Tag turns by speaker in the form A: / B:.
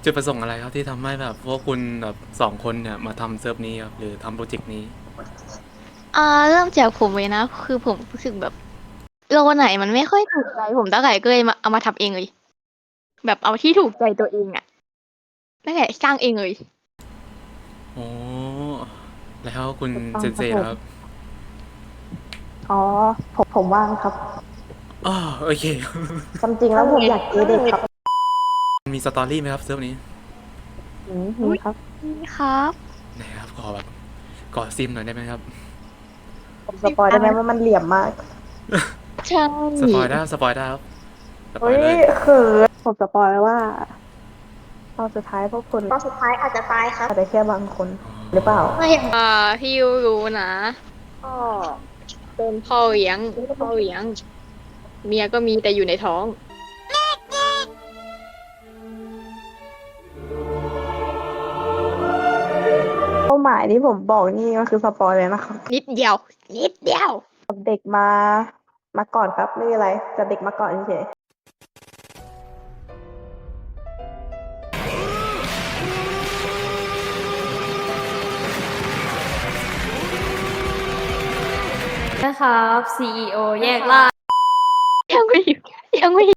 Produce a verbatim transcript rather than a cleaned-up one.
A: จุดประสงค์อะไรครับที่ทำให้แบบพวกคุณแบบสองคนเนี่ยมาทำเซิร์ฟนี้ครับหรือทำโปรเจกต์นี้
B: อ่าเริ่มจากผมเลยนะคือผมรู้สึกแบบโลไหนมันไม่ค่อยถูกใจผมตั้งแต่ก็เลยมาเอามาทำเองเลยแบบเอาที่ถูกใจตัวเองอะตั้งแต่สร้างเองเลย
A: โอ้แล้วคุณ
C: ถูกต้อ
A: เซ
C: งครับผม
A: นเซครับ
C: อ๋อผมผมว่างครับ
A: อ๋อโอเค
C: ความจริงแล้วผมอยากเจอเด็กครับ
A: มีสตอรี่ไหมครับเซิร์ฟนี้
C: อืมมีครับ
B: นี่ครับ
A: ไหนครับขอแบบขอซิมหน่อยได้ไหมครับ
C: ผมสปอยได้ไหมว่ามันเหลี่ยมมาก
B: ใช่
A: สปอยได้ครับสปอยได้ครับสปอ
C: เฮ้ย
A: ยเลย
C: เขินผมสปอยไว้ว่าตอนสุดท้ายพวกคุณตอนสุดท้ายอาจจะตายครับอาจจะแค่บางคนหรือเปล่า
B: ไม่อ่าพี่ยูรู้นะก็เป็นพ่อเลี้ยงพ่อเลี้ยงเมียก็มีแต่อยู่ในท้อง
C: เป้าหมายที่ผมบอกนี่ก็คือสปอยเลยนะครับ
B: นิดเดียว นิดเดียว
C: เด็กมามาก่อนครับไม่มีอะไรแต่เด็กมาก่อนเฉย
D: นะครับ ซี อี โอ แยกล่าง
B: ยังไม่อยู่ยังไม่